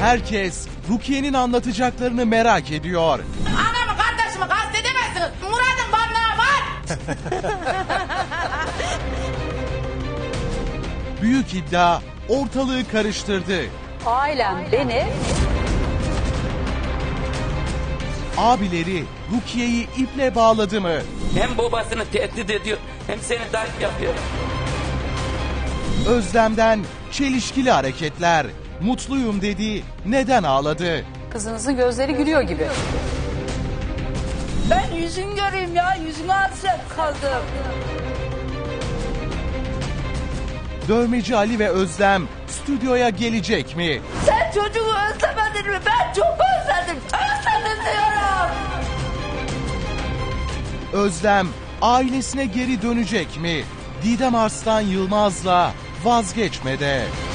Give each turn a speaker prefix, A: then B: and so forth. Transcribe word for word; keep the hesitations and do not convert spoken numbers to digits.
A: Herkes Rukiye'nin anlatacaklarını merak ediyor.
B: Anamı kardeşimi kastedemezsiniz. Murat'ın barınağı var.
A: Büyük iddia ortalığı karıştırdı.
C: Ailem beni
A: Abileri Rukiye'yi iple bağladı mı?
D: Hem babasını tehdit ediyor hem seni darp yapıyor.
A: Özlem'den çelişkili hareketler. Mutluyum dedi, neden ağladı?
C: kızınızın gözleri gülüyor gibi.
E: Ben yüzün göreyim ya, yüzüme hasret kaldım.
A: Dövmeci Ali ve Özlem stüdyoya gelecek mi?
E: Sen çocuğu özlemedin mi? Ben çok özledim. Özledim diyorum.
A: Özlem ailesine geri dönecek mi? Didem Arslan Yılmaz'la vazgeçmede.